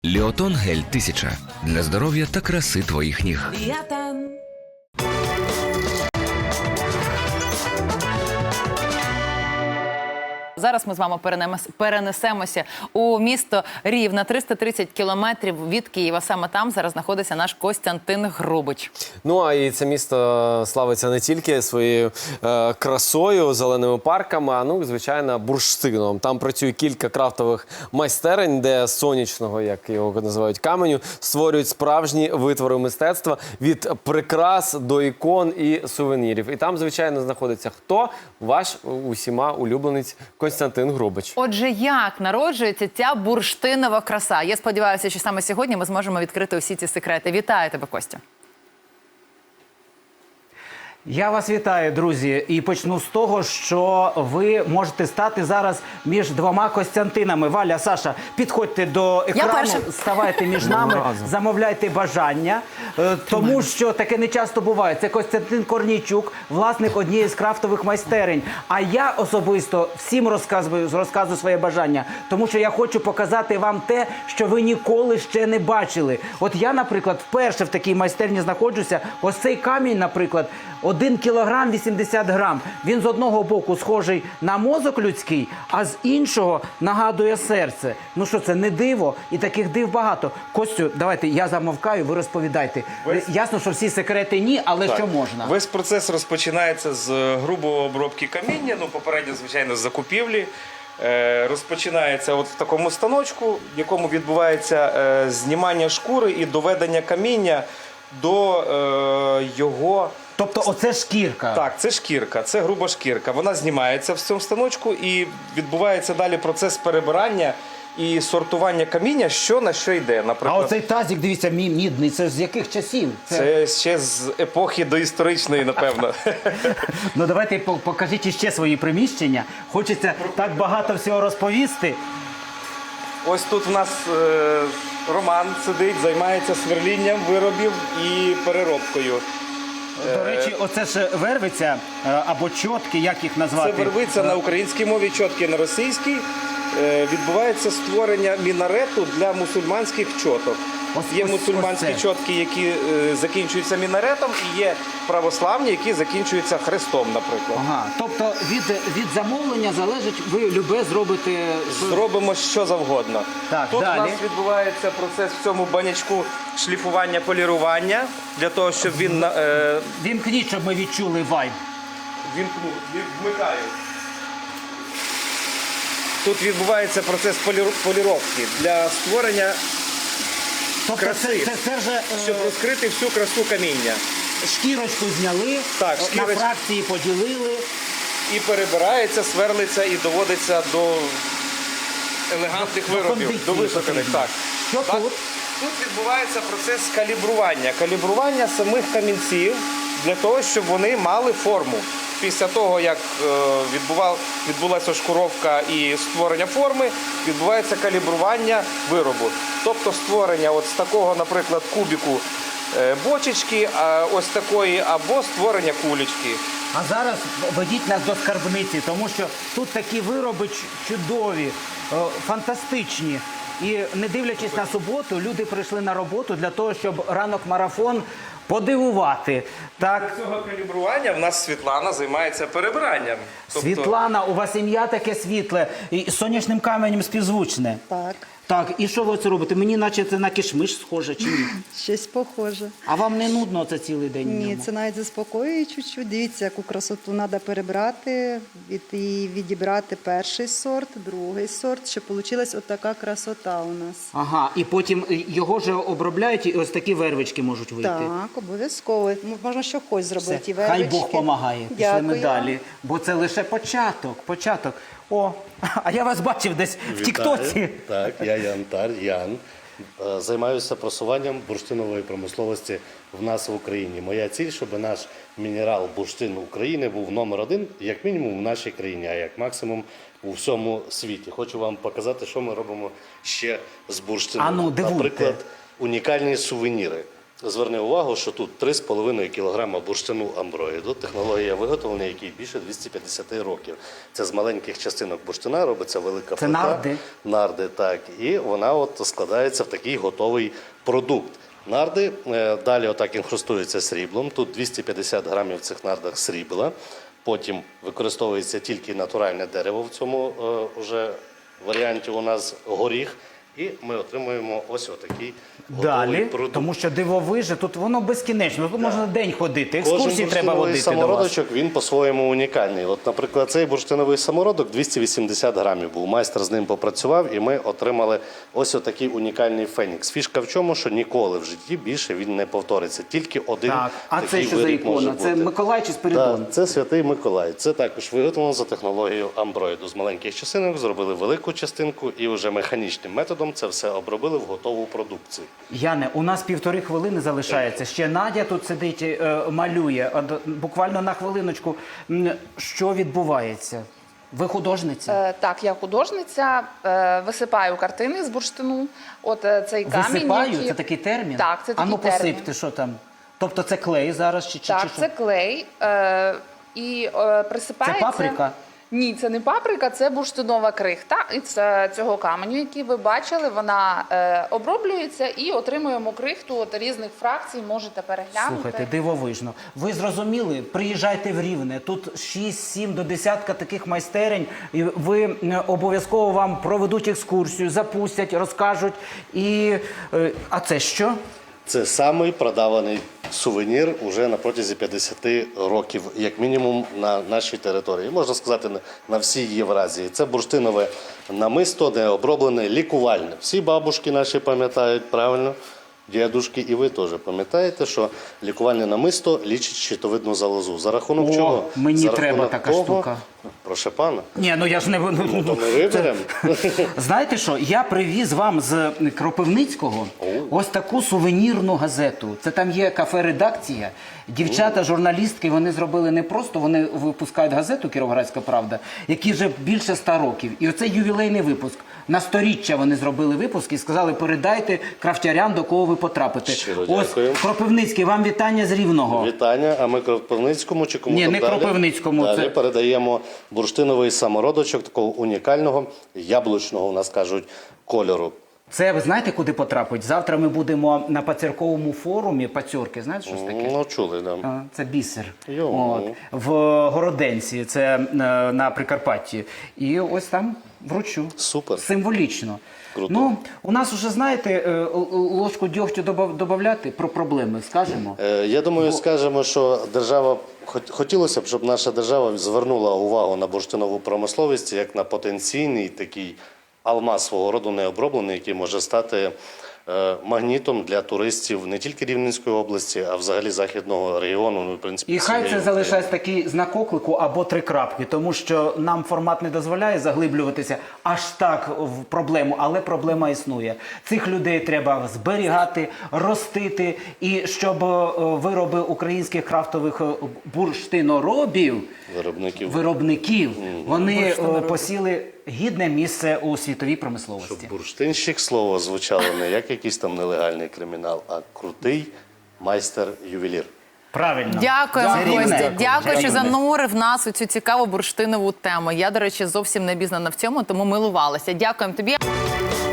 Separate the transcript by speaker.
Speaker 1: Ліотон гель 1000 для здоров'я та краси твоїх ніг.
Speaker 2: Зараз ми з вами перенесемося у місто Рівне, 330 кілометрів від Києва. Саме там зараз знаходиться наш Костянтин Грубич.
Speaker 3: Ну, а і це місто славиться не тільки своєю красою, зеленими парками, а, ну, звичайно, бурштином. Там працює кілька крафтових майстерень, де з сонячного, як його називають, каменю, створюють справжні витвори мистецтва від прикрас до ікон і сувенірів. І там, звичайно, знаходиться хто? Ваш усіма улюбленець Костянтин Грубич.
Speaker 2: Отже, як народжується ця бурштинова краса? Я сподіваюся, що саме сьогодні ми зможемо відкрити усі ці секрети. Вітаю тебе, Костя.
Speaker 4: Я вас вітаю, друзі, і почну з того, що ви можете стати зараз між двома Костянтинами. Валя, Саша, підходьте до екрану, ставайте між нами, замовляйте бажання, тому що таке не часто буває. Це Костянтин Корнійчук, власник однієї з крафтових майстерень. А я особисто всім розказую своє бажання, тому що я хочу показати вам те, що ви ніколи ще не бачили. От я, наприклад, вперше в такій майстерні знаходжуся. Ось цей камінь, наприклад, 1 кілограм 80 грам. Він з одного боку схожий на мозок людський, а з іншого нагадує серце. Ну що, це не диво? І таких див багато. Костю, давайте, я замовкаю, ви розповідайте. Ясно, що всі секрети ні, але так, що можна?
Speaker 5: Весь процес розпочинається з грубої обробки каміння, ну, попередньо, звичайно, з закупівлі. Розпочинається от в такому станочку, в якому відбувається знімання шкури і доведення каміння до його...
Speaker 4: Тобто оце шкірка?
Speaker 5: Так, це шкірка, це груба шкірка. Вона знімається в цьому станочку і відбувається далі процес перебирання і сортування каміння, що на що йде. Наприклад,
Speaker 4: а оцей тазик, дивіться, мідний, це з яких часів?
Speaker 5: Це ще з епохи доісторичної, напевно.
Speaker 4: Ну давайте покажіть іще свої приміщення. Хочеться так багато всього розповісти.
Speaker 5: Ось тут в нас Роман сидить, займається сверлінням виробів і переробкою.
Speaker 4: До речі, оце ж вервиця або чотки, як їх назвати?
Speaker 5: Це вервиця на українській мові, чотки на російській. Відбувається створення мінарету для мусульманських чоток. Є мусульманські чотки, які закінчуються мінаретом, і є православні, які закінчуються хрестом, наприклад.
Speaker 4: Ага, тобто від замовлення залежить, ви любе зробите...
Speaker 5: Зробимо що завгодно.
Speaker 4: Так,
Speaker 5: тут
Speaker 4: далі.
Speaker 5: у нас відбувається процес в цьому банячку шліфування, полірування, для того, щоб він...
Speaker 4: Вімкніть, щоб ми відчули вайб.
Speaker 5: Вмикаю. Тут відбувається процес поліровки для створення краси,
Speaker 4: це вже,
Speaker 5: щоб розкрити всю красу каміння.
Speaker 4: Шкірочку зняли,
Speaker 5: так,
Speaker 4: на фракції поділили.
Speaker 5: І перебирається, сверлиться і доводиться до елегантних виробів, до вишуканих. Так.
Speaker 4: Що тут?
Speaker 5: Тут відбувається процес калібрування. Калібрування самих камінців для того, щоб вони мали форму. Після того, як відбулася шкуровка і створення форми, відбувається калібрування виробу. Тобто створення от з такого, наприклад, кубіку бочечки, ось такої, або створення кулечки.
Speaker 4: А зараз ведіть нас до скарбниці, тому що тут такі вироби чудові, фантастичні. І не дивлячись на суботу, люди прийшли на роботу для того, щоб ранок-марафон подивувати. Так.
Speaker 5: Для цього калібрування в нас Світлана займається перебиранням.
Speaker 4: Світлана, у вас ім'я таке світле і з сонячним каменем співзвучне.
Speaker 6: Так.
Speaker 4: Так, і що ви це робите? Мені наче це на кишмиш схоже, чи ні?
Speaker 6: Щось похоже.
Speaker 4: А вам не нудно це цілий день?
Speaker 6: Ні, це навіть заспокоює чуть-чуть. Дивіться, яку красоту треба перебрати і відібрати перший сорт, другий сорт, щоб вийшла отака красота у нас.
Speaker 4: Ага, і потім його ж обробляють, і ось такі вервички можуть вийти.
Speaker 6: Так, обов'язково. Можна що хоч зробити.
Speaker 4: Все.
Speaker 6: І вервички.
Speaker 4: Хай Бог помагає. Пішли
Speaker 6: Дякую.
Speaker 4: ми далі. Бо це лише початок. О, а я вас бачив десь в Тіктоці.
Speaker 7: Так, я Ян. Займаюся просуванням бурштинової промисловості в нас в Україні. Моя ціль, щоб наш мінерал бурштин України був №1, як мінімум в нашій країні, а як максимум у всьому світі. Хочу вам показати, що ми робимо ще з бурштином.
Speaker 4: А ну, дивуйте.
Speaker 7: Наприклад, унікальні сувеніри. зверни увагу, що тут 3,5 кг бурштину амброїду, технологія виготовлення, якій більше 250 років. Це з маленьких частинок бурштина робиться велика
Speaker 4: Це
Speaker 7: плита.
Speaker 4: нарди?
Speaker 7: Нарди, так. І вона от складається в такий готовий продукт. Нарди далі отак інхрустуються сріблом. Тут 250 грамів в цих нардах срібла. Потім використовується тільки натуральне дерево в цьому вже варіанті у нас горіх. І ми отримуємо ось отакий готовий
Speaker 4: Далі,
Speaker 7: продукт.
Speaker 4: тому що дивовижне, тут воно безкінечно, тут можна день ходити,
Speaker 7: Кожен
Speaker 4: екскурсії треба
Speaker 7: бурштиновий
Speaker 4: водити до вас.
Speaker 7: самородочок, він по-своєму унікальний. От, наприклад, цей бурштиновий самородок 280 грамів був. Майстер з ним попрацював, і ми отримали ось отакий унікальний фенікс. Фішка в чому, що ніколи в житті більше він не повториться. Тільки один
Speaker 4: Так, а
Speaker 7: такий
Speaker 4: це що за
Speaker 7: виріб може
Speaker 4: ікона? Це
Speaker 7: бути.
Speaker 4: Миколай чи Спиридон?
Speaker 7: Так, це Святий Миколай. Це також виготовлено за технологією амброїду. З маленьких частинок зробили велику частинку і вже механічним методом це все обробили в готову продукцію.
Speaker 4: Яне, у нас 1,5 хвилини залишається. Ще Надя тут сидить, малює. Буквально на хвилиночку. Що відбувається? Ви художниця?
Speaker 8: Так, я художниця, висипаю картини з бурштину. От цей камінь.
Speaker 4: Висипаю?
Speaker 8: який-
Speaker 4: Це такий термін?
Speaker 8: Так, це такий
Speaker 4: А ну
Speaker 8: термін.
Speaker 4: посипте, що там? Тобто це клей зараз? Чи
Speaker 8: Так,
Speaker 4: що?
Speaker 8: це клей. І присипається...
Speaker 4: Це паприка?
Speaker 8: Ні, це не паприка, це бурштинова крихта. І це цього каменю, який ви бачили, вона оброблюється і отримуємо крихту от різних фракцій, можете переглянути.
Speaker 4: Слухайте, дивовижно. Ви зрозуміли? Приїжджайте в Рівне. Тут 6-7 до десятка таких майстерень. І ви обов'язково вам проведуть екскурсію, запустять, розкажуть. А це що?
Speaker 7: Це самий продаваний сувенір уже на протязі 50 років, як мінімум, на нашій території. Можна сказати, на всій Євразії. Це бурштинове намисто, не оброблене, лікувальне. Всі бабушки наші пам'ятають, правильно? Дідушки, і ви теж пам'ятаєте, що лікувальне намисто лічить щитовидну залозу. За рахунок
Speaker 4: О,
Speaker 7: чого?
Speaker 4: мені
Speaker 7: За
Speaker 4: треба
Speaker 7: рахунок
Speaker 4: така
Speaker 7: того-
Speaker 4: штука.
Speaker 7: Прошу пана.
Speaker 4: Ні, ну я ж не...
Speaker 7: То ми виберемо.
Speaker 4: Знаєте що, я привіз вам з Кропивницького ось таку сувенірну газету. Це там є кафе-редакція. Дівчата, журналістки, вони зробили не просто, вони випускають газету «Кіровоградська правда», які вже більше 100 років. І оце ювілейний випуск. На 100-річчя вони зробили випуск і сказали, передайте крафтярям, до кого ви потрапите.
Speaker 7: Щиро
Speaker 4: Ось,
Speaker 7: дякую.
Speaker 4: Кропивницький, вам вітання з Рівного.
Speaker 7: Вітання, а ми Кропивницькому чи кому
Speaker 4: Ні,
Speaker 7: там
Speaker 4: не
Speaker 7: далі?
Speaker 4: Кропивницькому,
Speaker 7: Далі
Speaker 4: це-
Speaker 7: передаємо бурштиновий самородочок такого унікального, яблучного, у нас кажуть, кольору.
Speaker 4: Це ви знаєте, куди потрапить? Завтра ми будемо на пацюрковому форумі. Пацюрки, знаєте, що це таке?
Speaker 7: Ну, чули, да.
Speaker 4: Це бісер.
Speaker 7: Йо.
Speaker 4: От. В Городенці, це на Прикарпатті. І ось там вручу.
Speaker 7: Супер.
Speaker 4: Символічно.
Speaker 7: Круто.
Speaker 4: Ну, у нас вже, знаєте, ложку дьогтю додати про проблеми, скажемо.
Speaker 7: Я думаю, скажемо, що держава, хотілося б, щоб наша держава звернула увагу на бурштинову промисловість як на потенційний такий алмаз свого роду необроблений, який може стати магнітом для туристів не тільки Рівненської області, а взагалі західного регіону. Ну, в принципі,
Speaker 4: І хай
Speaker 7: всієї
Speaker 4: це залишається такий знак оклику або 3 крапки, тому що нам формат не дозволяє заглиблюватися аж так в проблему, але проблема існує. Цих людей треба зберігати, ростити, і щоб вироби українських крафтових бурштиноробів, виробників, вони посіли гідне місце у світовій промисловості.
Speaker 7: Щоб бурштинщик слово звучало не як якийсь там нелегальний кримінал, а крутий майстер-ювелір.
Speaker 4: Правильно.
Speaker 2: Дякуємо,
Speaker 4: Це Рівне.
Speaker 2: Костя. Дякую, що
Speaker 4: Рівне.
Speaker 2: занурив нас у цю цікаву бурштинову тему. Я, до речі, зовсім не обізнана в цьому, тому милувалася. Дякуємо тобі.